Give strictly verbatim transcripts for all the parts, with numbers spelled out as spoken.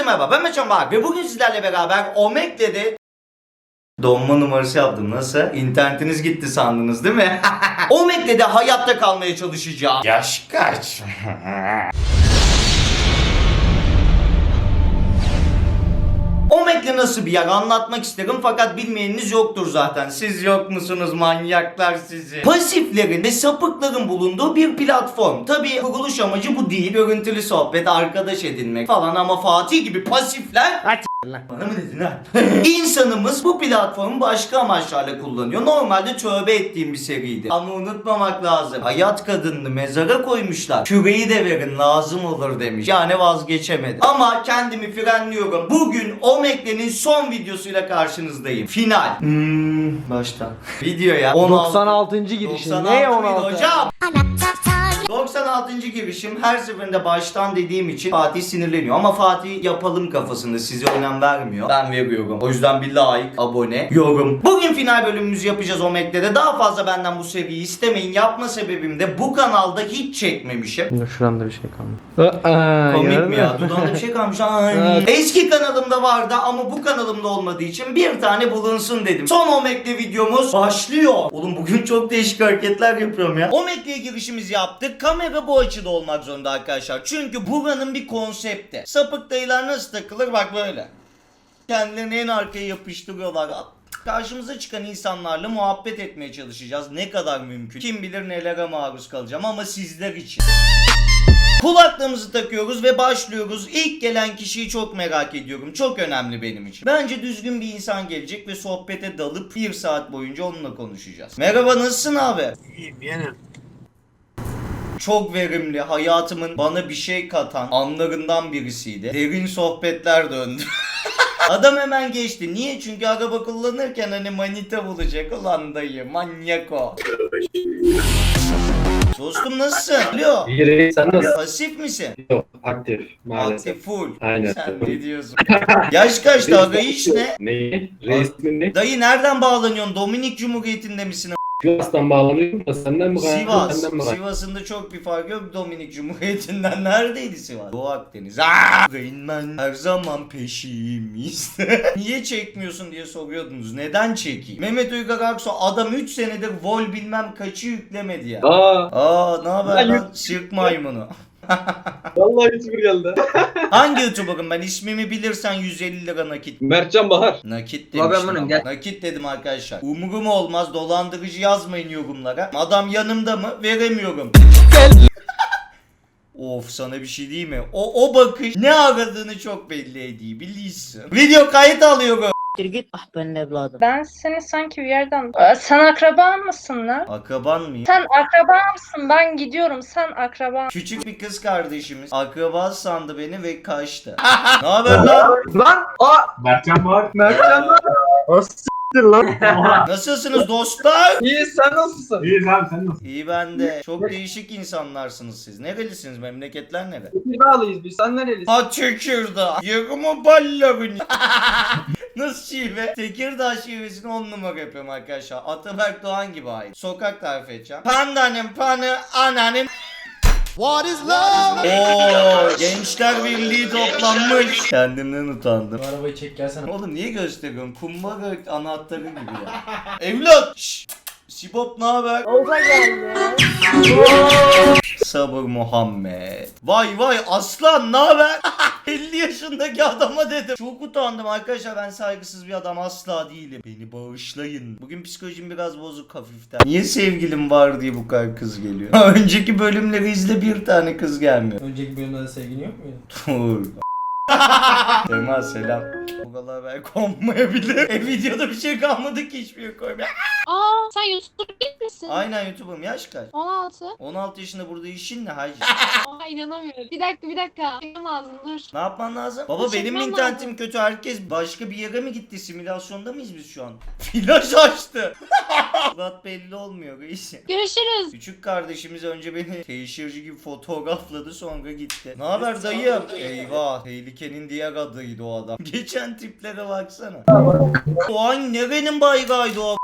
merhaba, ben Meçhan Bahar ve bugün sizlerle beraber Omegle'de donma numarası yaptım. Nasıl? İnternetiniz gitti sandınız değil mi? Omegle'de hayatta kalmaya çalışacağım. Yaş kaç? Omegle nasıl bir yer anlatmak isterim fakat bilmeyeniniz yoktur zaten. Siz yok musunuz manyaklar sizi? Pasiflerin ve sapıkların bulunduğu bir platform. Tabii kuruluş amacı bu değil. Görüntülü sohbet, arkadaş edinmek falan ama Fatih gibi pasifler... Bana mı dedin ha? İnsanımız bu platformu başka amaçlarla kullanıyor. Normalde tövbe ettiğim bir seriydi. Ama unutmamak lazım. Hayat kadınını mezara koymuşlar. Küreyi de verin lazım olur demiş. Yani vazgeçemedi. Ama kendimi frenliyorum. Bugün Omegle'nin son videosuyla karşınızdayım. Final. Hmm, baştan. Video ya. doksan altıncı girişin. Ne on altı? Hocam? doksan altıncı girişim, her seferinde baştan dediğim için Fatih sinirleniyor ama Fatih yapalım kafasında, size önem vermiyor. Ben veriyorum. O yüzden bir like, abone, yorum. Bugün final bölümümüzü yapacağız Omegle'de. Daha fazla benden bu seriyi istemeyin. Yapma sebebim de bu kanalda hiç çekmemişim. Şuramda bir şey kaldı. Komik mi ya? Dudağında bir şey kalmış. Ay. Eski kanalımda vardı ama bu kanalımda olmadığı için bir tane bulunsun dedim. Son Omegle videomuz başlıyor. Oğlum bugün çok değişik hareketler yapıyorum ya. Omegle'ye girişimizi yaptık. Kamera bu açıda olmak zorunda arkadaşlar. Çünkü buranın bir konsepti. Sapık dayılar nasıl takılır? Bak böyle. Kendilerini en arkaya yapıştırıyorlar. Karşımıza çıkan insanlarla muhabbet etmeye çalışacağız. Ne kadar mümkün. Kim bilir nelere maruz kalacağım ama sizler için. Kulaklığımızı takıyoruz ve başlıyoruz. İlk gelen kişiyi çok merak ediyorum. Çok önemli benim için. Bence düzgün bir insan gelecek ve sohbete dalıp bir saat boyunca onunla konuşacağız. Merhaba, nasılsın abi? İyiyim yeğenim. Çok verimli, hayatımın bana bir şey katan anlarından birisiydi. Derin sohbetler döndü. Adam hemen geçti. Niye? Çünkü araba kullanırken hani manita bulacak. Ulan dayı, manyak o. Dostum nasılsın? Alo. İyi reis, sen nasılsın? Pasif misin? Yok, aktif maalesef. Aktif full. Aynen. Sen ne diyorsun? Yaş kaçtı aga, iş ne? Neyi? Reis mi ne? Dayı nereden bağlanıyorsun? Dominik Cumhuriyeti'nde misin? Sivas'tan bağlanıyorum da senden mi kaynaklı? Sivas. Senden mi kaynaklı? Sivas'ın da çok bir fark yok. Dominik Cumhuriyeti'nden neredeydi Sivas? Doğu Akdeniz. Aaa! Rainman her zaman peşimizde. Niye çekmiyorsun diye soruyordunuz. Neden çekeyim? Mehmet Uygar Aksu adam üç senedir vol bilmem kaçı yüklemedi ya. Aa, Aa ne haber Ben lan? Sirk maymunu. vallahi hiçbir geldi. Hangi YouTuber'ım ben? İsmimi bilirsen yüz elli lira nakit. Mertcan Bahar. Nakit Ulan ben demiştim bunun, ama. gel. Nakit dedim arkadaşlar. Umurum olmaz, dolandırıcı yazmayın yorumlara. Adam yanımda mı? Veremiyorum. Of, sana bir şey diyeyim mi? O o bakış ne aradığını çok belli ediyor, biliyorsun. Video kayıt alıyorum. Git ah benim evladım. Ben seni sanki bir yerden... Aa, sen akraban mısın lan? Akraban mıyım? Sen akraba mısın? Ben gidiyorum. Sen akraban. Küçük bir kız kardeşimiz akraba sandı beni ve kaçtı. Ne haber lan? Lan! Aa! Mertcan Bahar. Mertcan lan! O s**tir lan! Nasılsınız dostlar? İyi, sen nasılsın? İyiyiz abi, sen nasılsın? İyi ben de. Çok değişik insanlarsınız siz. Nerelisiniz? Memleketler nere? Tekirdağlıyız biz, sen nerelisin? Ha Tekirdağ. Yakımı ballarını. Nasıl şive? Tekirdağ şivesini on numara yapıyorum arkadaşlar. Ataberk Doğan gibi ait. Sokak tarif edeceğim. Pandanın panı ananın. What is love? Oo, Gençler Birliği toplanmış. Kendimden utandım. Bu arabayı çek gelsene. Oğlum niye gösteriyorsun? Kumbara anahtarı gibi ya. Evlat! Şşt! Sibop ne haber? Oza geldi. Sabır Muhammed. Vay vay aslan ne haber? elli yaşındaki adama dedim. Çok utandım arkadaşlar, ben saygısız bir adam asla değilim. Beni bağışlayın. Bugün psikolojim biraz bozuk hafiften. Niye sevgilim var diye bu kadar kız geliyor? Önceki bölümleri izle, bir tane kız gelmiyor. Önceki bölümde de sevgilin yok muydu? Dur. Sema selam. Bu kadar belki konmayabilir. E videoda bir şey kalmadı ki hiçbir şey koymaya. Aa, sen YouTuber değil misin? Aynen YouTube'um, yaş kaç? on altı. on altı yaşında burada işin ne hacı? Aa, inanamıyorum. Bir dakika bir dakika. Benim lazım dur. Ne yapman lazım? Baba Çekmem benim mi lazım. internetim kötü? Herkes başka bir yere mi gitti? Simülasyonda mıyız biz şu an? Flash açtı. Surat belli olmuyor reis. Görüşürüz. Küçük kardeşimiz önce beni teşhirci gibi fotoğrafladı sonra gitti. Ne haber dayım? Eyvah, tehlikenin diğer adıydı o adam. Geçen tiplere baksana. O an nerenin bayrağıydı o?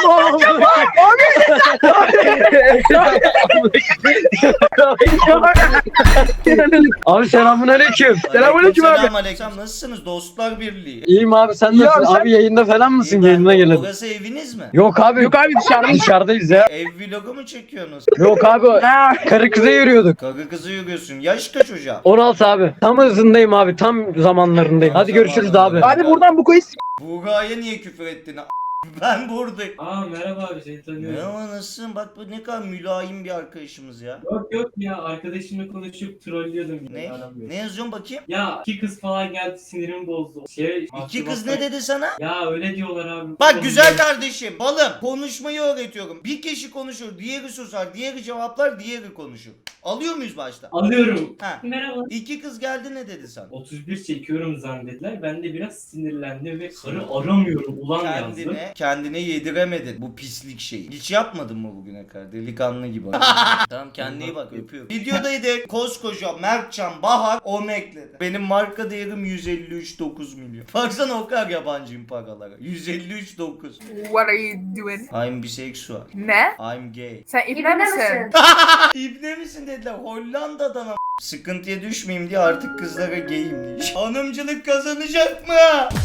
Abi selamünaleyküm. Selamünaleyküm abi. Selamünaleyküm. Nasılsınız dostlar birliği? İyiyim abi sen nasılsın? Abi yayında falan mısın? İyi, ben Yayına de- gelelim. Burası eviniz mi? Yok abi. Yok abi dışarıda. Dışarıdayız ya. Ev vlogu mu çekiyorsunuz? Yok abi. Karı kıza yürüyorduk. Karı kızı yürüyorsun. Yaş kaç hocam? on altı abi. Tam hızındayım abi. Tam zamanlarındayım. Tam Hadi görüşürüz zamanlarında. abi. Hadi buradan bu koyuz. Buğra'ya niye küfür ettin? Ben buradayım. Aa merhaba abi seni tanıyorum. Merhaba nasılsın? Bak bu ne kadar mülayim bir arkadaşımız ya. Yok yok ya arkadaşımla konuşup trollüyordum yine. Ne? aramıyorum. Ne yazıyorsun bakayım? Ya iki kız falan geldi sinirimi bozdu. Şey, İki kız ne dedi sana? Ya öyle diyorlar abi. Bak Oğlum, güzel ben- kardeşim, balım. Konuşmayı öğretiyorum. Bir kişi konuşur, diğeri susar, diğeri cevaplar, diğeri konuşur. Alıyor muyuz başta? Alıyorum. Ha. Merhaba. İki kız geldi ne dedi sana? otuz bir çekiyorum zannettiler. Ben de biraz sinirlendim ve karı aramıyorum ulan yazdım. Kendine, kendine yediremedin bu pislik şeyi. Hiç yapmadın mı bugüne kadar? Delikanlı gibi. Tamam kendine iyi bak öpüyorum. Videodaydı koskoca Mertcan Bahar onu ekledi. Benim marka değerim yüz elli üç nokta dokuz milyon. Baksana o kadar yabancıyım paralara. yüz elli üç nokta dokuz. What are you doing? I'm bisexual. Ne? I'm gay. Sen ibne misin? İbne misin dediler Hollanda'dan ama. Sıkıntıya düşmeyeyim diye artık kızlara gayim diye. Hanımcılık kazanacak mı?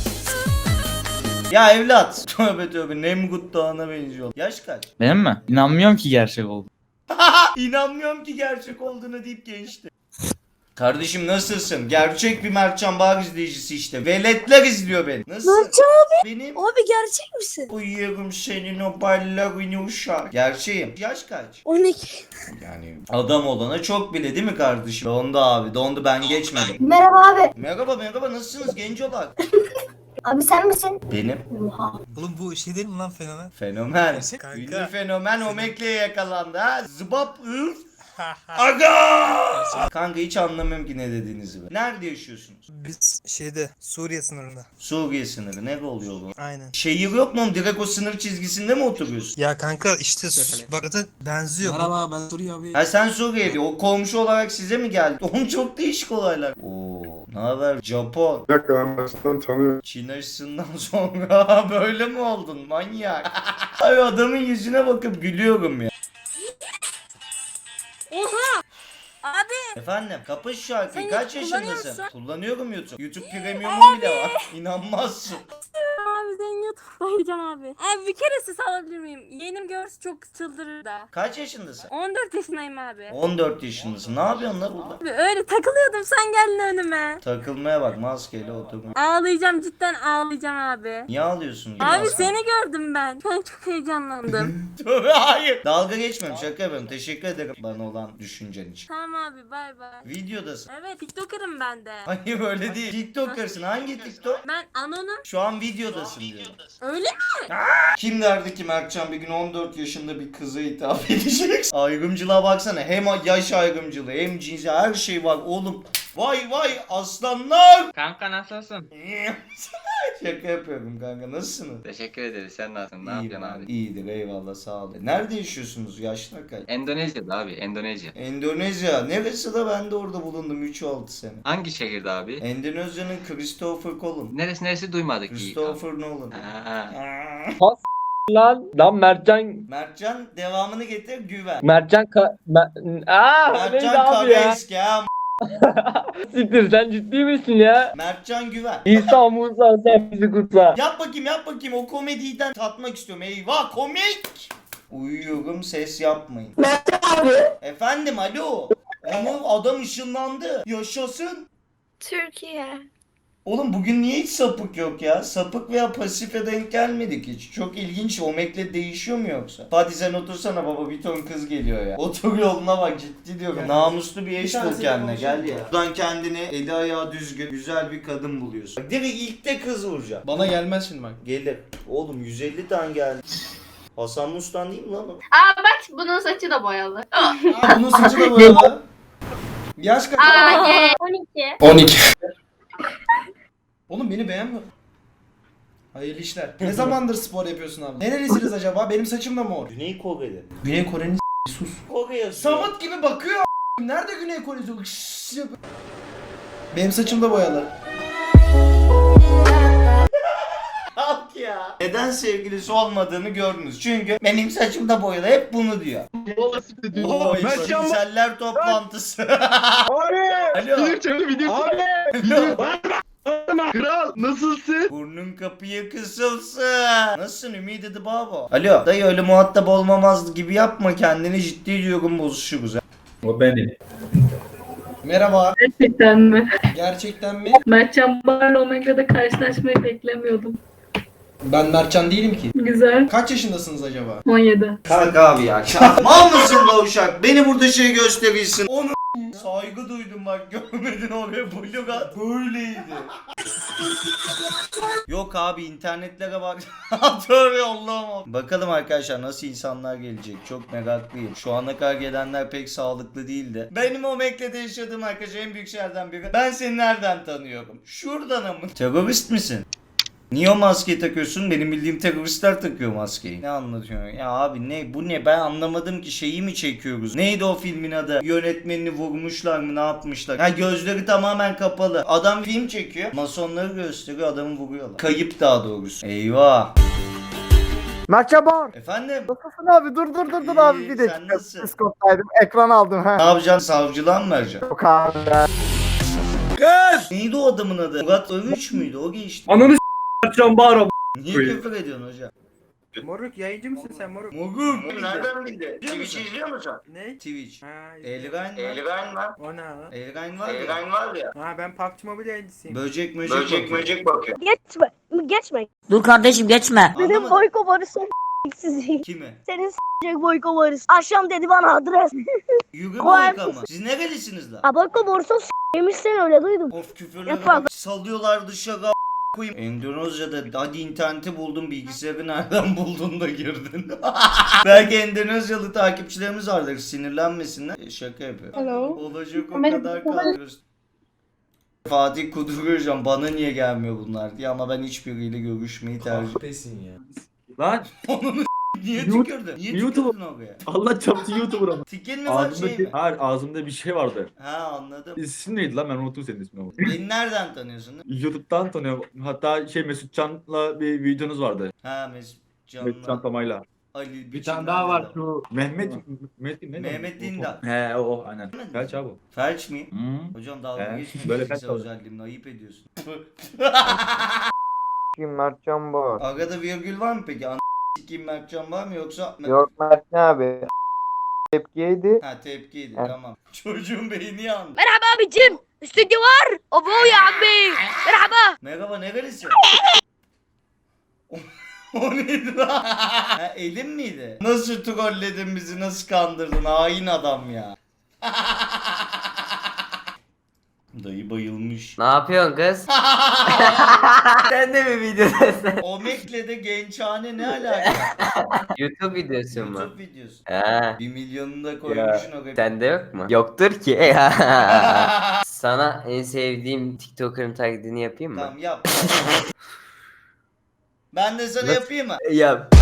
Ya evlat. Tövbe tövbe Nemrut Dağı'na benziyor. Yaş kaç? Benim mi? İnanmıyorum ki gerçek oldu. İnanmıyorum ki gerçek olduğunu deyip geçti. Kardeşim nasılsın? Gerçek bir Mertcan Bahar izleyicisi işte. Veletler izliyor beni. Nasılsın? Mertcan abi. Benim. Abi gerçek misin? Uyuyorum senin o ballarını uşak. Gerçeğim. Yaş kaç? on iki. Yani adam olana çok bile değil mi kardeşim? Dondu abi. Dondu ben geçmedim. Merhaba abi. Merhaba merhaba nasılsınız genç olarak? Abi sen misin? Benim. Oha. Oğlum bu şey değil mi lan fenomen? Fenomen. Kanka. Ünlü fenomen Omekle'ye yakalandı ha. Zıbap ıf. Aga! Kanka hiç anlamıyorum ki ne dediğinizi. be. Nerede yaşıyorsunuz? Biz şeyde Suriye sınırında. Suriye sınırı. Nerede oluyor bu? Aynen. Şehir yok mu? Direkt o sınır çizgisinde mi oturuyorsun? Ya kanka işte bak da benziyor. Merhaba ben Suriye abi. Ha sen Suriye'de. O komşu olarak size mi geldi? Oğlum çok değişik olaylar. Oo, ne haber Japon? Bir dakika ben baştan tanıyorum. Çin aşısından sonra böyle mi oldun manyak? Ay adamın yüzüne bakıp gülüyorum ya. Oha. Abi. Efendim kapış şu şarkıyı Sen kaç YouTube yaşındasın? kullanıyorsun. Kullanıyorum YouTube. YouTube Premium'um bile var. İnanmazsın. Abi sen YouTube'dayacağım abi. Abi bir kere ses alabilir miyim? Yeğenim görse çok çıldırır da. Kaç yaşındasın? on dört yaşındayım abi. on dört yaşındasın. Ne yapıyorsun lan burada? Abi öyle takılıyordum sen geldin önüme. Takılmaya bak maskeyle oturma. Ağlayacağım cidden ağlayacağım abi. Niye ağlıyorsun? Abi seni gördüm ben. Ben çok heyecanlandım. Hayır. Dalga geçmiyorum şaka yapıyorum. Teşekkür ederim bana olan düşüncen için. Tamam abi bay bay. Videodasın. Evet TikToker'ım ben de. Hayır öyle değil. TikToker'sın. Hangi TikTok? Ben Anon'um. Şu an videodasın diyorum. Öyle mi? Kim derdi ki Mertcan bir gün on dört yaşında bir kıza hitap edecek? Ayrımcılığa baksana. Hem yaş ayrımcılığı hem cinsi her şey var oğlum. Vay vay aslanlar. Kanka nasılsın? Şaka yapıyorum kanka. Nasılsınız? Teşekkür ederiz. Sen nasılsın? Ne İyiyim yapıyorsun abi. abi? İyidir eyvallah sağ ol. Nerede yaşıyorsunuz? Yaşlar kaç? Endonezya'da abi. Endonezya. Endonezya. Neresi de ben de orada bulundum üç altı sene. Hangi şehirde abi? Endonezya'nın Christopher Column. Neresi neresi duymadık ki. Christopher Nolan. Ha. Aa. Lan lan Mertcan Mertcan devamını getir güven. Mertcan ka Mer- Aa neydi Mertcan abi ya? Kabesk ya. Siktir sen ciddi misin ya? Mertcan güven. İsa Musa sen bizi kutla. Yap bakayım yap bakayım o komediden tatmak istiyorum. Eyvah komik. Uyuyorum ses yapmayın. Mertcan abi. Efendim alo. Ama adam ışınlandı. Yaşasın. Türkiye. Oğlum bugün niye hiç sapık yok ya? Sapık veya pasife denk gelmedik hiç. Çok ilginç. Omekle değişiyor mu yoksa? Fatih sen otursana baba bir ton kız geliyor ya. Otur yoluna bak ciddi diyorum. Namuslu bir eş bul kendine gel ya. Buradan kendini eli ayağı düzgün güzel bir kadın buluyorsun. Bak, direkt ilk de kız vuracağım. Bana gelmez şimdi bak. Gelir. Oğlum yüz elli tane geldi. Hasan Mustan değil mi lan o? Aa bak bunun saçı da boyalı. Aa, bunun saçı da boyalı. Yaş kaç? Aa ye. on iki. on iki. Oğlum beni beğenmiyor. Hayırlı işler. Ne zamandır spor yapıyorsun abi? Nerelisiniz acaba? Benim saçım da mor. Güney Kore'de. Güney Kore'nin s- sus. Kore yazıyor. Samut gibi bakıyor a**. Nerede Güney Kore'si? Şşş yapıyor. Benim saçım da boyalı. Kalk ya. Neden sevgilisi olmadığını gördünüz. Çünkü benim saçım da boyalı. Hep bunu diyor. Oo, cinseller toplantısı. Alo. Alo. Kral nasılsın? Burnun kapıya kısılsın. Nasılsın Ümit Edi Babo? Alo. Dayı öyle muhatap olmamaz gibi yapma kendini, ciddi diyorum, bozuşuruz. O benim. Merhaba. Gerçekten mi? Gerçekten mi? Mertcan Bar'la Omega'da karşılaşmayı beklemiyordum. Ben Mertcan değilim ki. Güzel. Kaç yaşındasınız acaba? on yedi. Kalk abi ya. Kalk. Mal mısın la uşak? Beni burada şey gösterirsin. Onu saygı duydum bak, görmedin oraya blok at. Böyleydi. Yok abi, internetlere bak. Atör yollama. Bakalım arkadaşlar nasıl insanlar gelecek. Çok meraklıyım. Şu ana kadar gelenler pek sağlıklı değildi. Benim o Mekke'de yaşadığım arkadaş en büyük şeylerden biri. Ben seni nereden tanıyorum? Şuradan mı? Terörist misin? Niye o maskeyi takıyorsun? Benim bildiğim teröristler takıyor maskeyi. Ne anlatıyorsun? Ya abi ne bu ne? Ben anlamadım ki, şeyi mi çekiyoruz? Neydi o filmin adı? Yönetmenini vurmuşlar mı? Ne yapmışlar? Ha, gözleri tamamen kapalı. Adam film çekiyor. Masonları gösteriyor, adamı vuruyorlar. Kayıp daha doğrusu. Eyvah. Mertcan Bağır. Efendim? Nasılsın abi? Dur dur dur dur İyi, abi bir sen dakika. nasılsın? Psikoptaydım. Ekran aldım Ne ha. yapacaksın? Savcılığa mı vereceksin? Yok abi. Neydi o adamın adı? Murat Övüç müydü? O geçti. Ananı s***can bağır. Niye küfür ediyorsun hocam? Moruk yayıncı mısın sen moruk? Mogum. Nereden bildin? Twitch izliyor musun? Ne? Twitch. Ha, Elgain var. Elgain var. o ne lan? Elgain var ya. Elgain var ya. Ha ben P U B G Mobile yayıncısıyım. Böcek möcek Böcek bakıyor. möcek bakıyor. Geçme. Geçme. Dur kardeşim geçme. Anlamadım. Boyko Barış'ın sizi. Kimi? Senin s***cek Boyko Barış. Akşam dedi bana adres. Yürü Koyar boyka mı? Siz nerelisiniz lan? Ha Boyko Barış'ın s***yemiş sen öyle duydum. Of, küfürleri Yapma. bak. Salıyorlar dışarı a- koyayım. Endonezya'da hadi interneti buldun, bilgisayarı nereden buldun da girdin. Belki Endonezyalı takipçilerimiz vardır, sinirlenmesinler. E, şaka yapıyor. Hello. Olacak o Kamera- kadar kalıyoruz. Fatih kuduruyor, bana niye gelmiyor bunlar diye, ama ben hiçbiriyle görüşmeyi tercih Pesin ya. Lan Onun niye Mute- tükürdün? Niye Mute- tükürdün oraya? Allah çarptı YouTuber ama. Tikin mi var, Ağzımda şey bir, mi? hayır, ağzımda bir şey vardı. Ha, anladım. İsim neydi lan, ben unuttum senin ismini ama. Beni nereden tanıyorsun? YouTube'dan tanıyorum. Hatta şey Mesut Can'la bir videonuz vardı. Ha, Mesut Mesut Can Can'la Tamay'la. Ali. Bir tane daha var şu Mehmet Mehmet ne? Mehmet Dindar. He o o aynen. Felç abi. Felç miyim? Hı. Hocam dalga He, geçmeyin. böyle Fiziksel felç özelliğimle ayıp ediyorsun. Kim Mertcan Bağır? Arada virgül var mı peki? An s**eyim Mertcan var mı yoksa? Yok Mertcan abi. Tepkiydi. Ha, tepkiydi, Evet. tamam. Çocuğun beyni yandı. Merhaba abicim. Stüdyo var. Abo ya abi. Merhaba. Merhaba, nerelisin? O- O neydi lan? Ha, elin miydi? Nasıl trolledin bizi, nasıl kandırdın hain adam ya. Dayı bayılmış. Ne yapıyorsun kız? Sen de mi videodasın? Omekle'de gençhane ne alaka? YouTube videosu mu? YouTube videosu. Ha. Bir milyonunu da koymuşsun oraya. Sende yok mu? Yoktur ki. Sana en sevdiğim TikToker'ın taklidini yapayım mı? Tamam, yap. Ben de sana Nasıl? yapayım mı? Yap.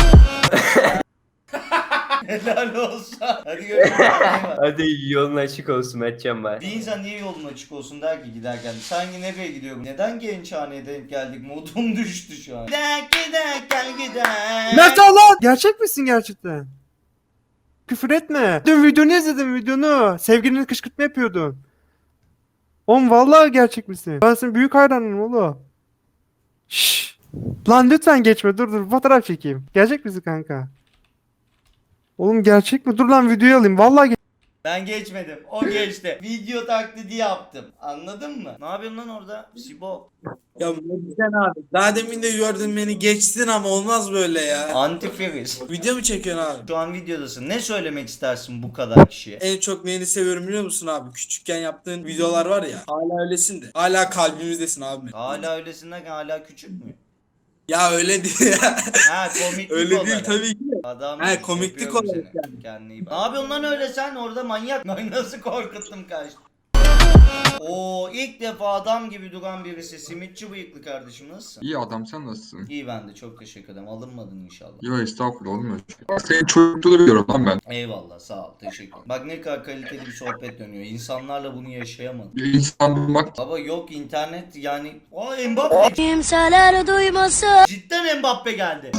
Helal olsun. Hadi görüşürüz. Bay bay. Hadi yolun açık olsun Mertcan Bay. Bir insan niye yolun açık olsun der ki giderken. Sanki nereye gidiyorum? Neden gençhaneye denk geldik? Modum düştü şu an. Gider gider gel gider. Mertcan lan! Gerçek misin gerçekten? Küfür etme. Dün videonu izledim videonu. Sevgilini kışkırtma yapıyordun. Oğlum vallahi gerçek misin? Ben senin büyük hayranım oğlum. Şşş. Lan lütfen geçme, dur dur fotoğraf çekeyim. Gerçek misin kanka? Oğlum gerçek mi? Dur lan videoyu alayım. Vallahi ge- Ben geçmedim. O geçti. Video taklidi yaptım. Anladın mı? Ne yapıyorsun lan orada? Sibo. Ya sen abi. Daha demin de gördün beni geçtin ama olmaz böyle ya. Antifriz. Video mu çekiyorsun abi? Şu an videodasın. Ne söylemek istersin bu kadar kişiye? En çok neyini seviyorum biliyor musun abi? Küçükken yaptığın videolar var ya. Hala öylesin de. Hala kalbimizdesin abi. Hala öylesinler ki hala küçük mü? Ya öyle değil ya. Ha, komiklik Öyle olarak. değil tabii ki. Adam He, komiklik öpüyorum olarak seni. Kendine iyi bak. Ne yapıyorsun lan öyle sen? Orada manyak. Ben nasıl korkuttum kaç. Oo, ilk defa adam gibi duran birisi. Simitçi bıyıklı kardeşim, nasılsın? İyi adam, sen nasılsın? İyi, ben de çok teşekkür ederim. Alınmadın inşallah. Yo estağfurullah, olmuyor. Senin çocukluğunu biliyorum lan ben. Eyvallah, sağ ol, teşekkür ederim. Bak ne kadar kaliteli bir sohbet dönüyor. İnsanlarla bunu yaşayamadım. Bir insan bulmak Baba yok internet yani. Aa, Mbappe. Kimseler duymasın. Cidden Mbappe geldi.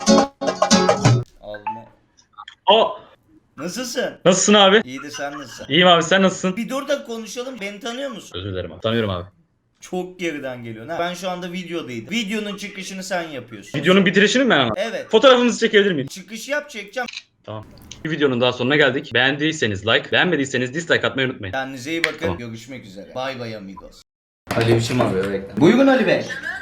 Alma. Aa, Nasılsın? nasılsın abi? İyi de sen nasılsın? İyiyim abi, sen nasılsın? Bir dur da konuşalım. Beni tanıyor musun? Özür dilerim abi. Tanıyorum abi. Çok geriden geliyor. Ha, ben şu anda videodaydım. Videonun çıkışını sen yapıyorsun. Videonun bitirişini mi ben ama? Evet. Fotoğrafınızı çekebilir miyim? Çıkış yap, çekeceğim. Bir videonun daha sonuna geldik. Beğendiyseniz like, beğenmediyseniz dislike atmayı unutmayın. Kendinize iyi bakın. Tamam. Görüşmek üzere. Bay bay amigos. Ali biçim arıyor, bekle. Buyurun Ali Bey.